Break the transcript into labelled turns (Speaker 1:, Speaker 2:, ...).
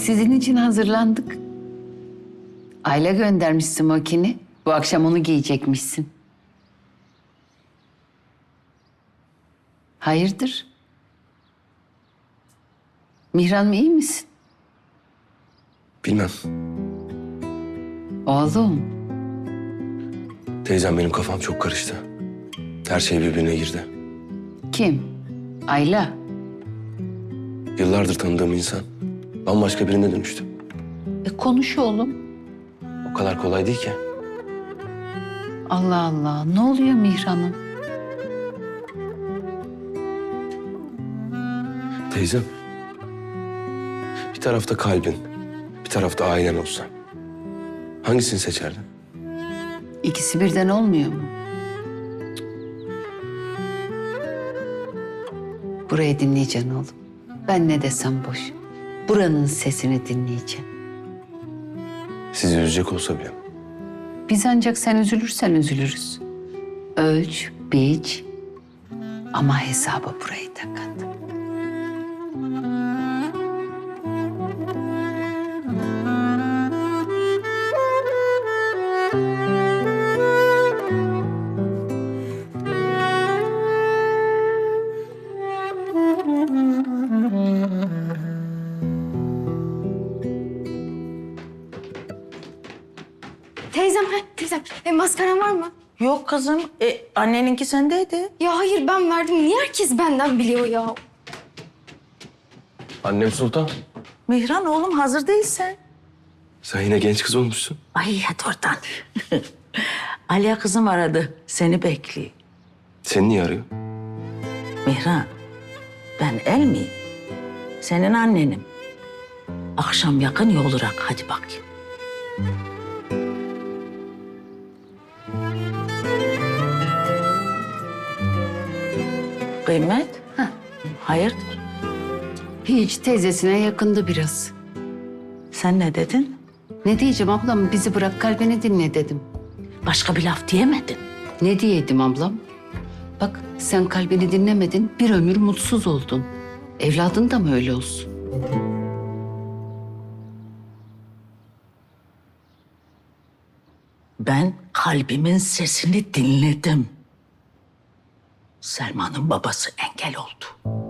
Speaker 1: Sizin için hazırlandık. Ayla göndermiş smokini. Bu akşam onu giyecekmişsin. Hayırdır? Mihran iyi misin?
Speaker 2: Bilmem.
Speaker 1: Oğlum,
Speaker 2: Teyzem benim kafam çok karıştı. Her şey birbirine girdi.
Speaker 1: kim? Ayla.
Speaker 2: Yıllardır tanıdığım insan bambaşka birine dönüştü.
Speaker 1: Konuş oğlum.
Speaker 2: O kadar kolay değil ki.
Speaker 1: Allah Allah, ne oluyor Mihran'ım?
Speaker 2: Teyzem, bir tarafta kalbin, bir tarafta ailen olsa hangisini seçerdin?
Speaker 1: İkisi birden olmuyor mu? Burayı dinleyeceksin oğlum. Ben ne desem boş. Buranın sesini dinleyeceksin.
Speaker 2: Sizi üzecek olsa bile.
Speaker 1: Biz ancak sen üzülürsen üzülürüz. Ölç, biç ama hesaba burayı da kat.
Speaker 3: Teyzem, maskaran var mı?
Speaker 4: Yok kızım. Anneninki sendeydi.
Speaker 3: Ya hayır ben verdim. Niye herkes benden biliyor ya?
Speaker 2: Annem Sultan,
Speaker 4: Mihran oğlum hazır değilsen.
Speaker 2: sen yine genç kız olmuşsun.
Speaker 4: Ay hadi oradan. Aliye kızım aradı. Seni bekliyor.
Speaker 2: Seni niye arıyor?
Speaker 4: Mihran, ben el miyim? Senin annenim. Akşam yakın yolurak hadi bakayım. Kıymet? Hayırdır?
Speaker 1: Hiç teyzesine yakındı biraz.
Speaker 4: Sen ne dedin?
Speaker 1: Ne diyeceğim ablam, bizi bırak kalbini dinle dedim.
Speaker 4: Başka bir laf diyemedin.
Speaker 1: Ne diyeydim ablam? Bak sen kalbini dinlemedin, bir ömür mutsuz oldun. Evladın da mı öyle olsun?
Speaker 4: Ben kalbimin sesini dinledim. Selma'nın babası engel oldu.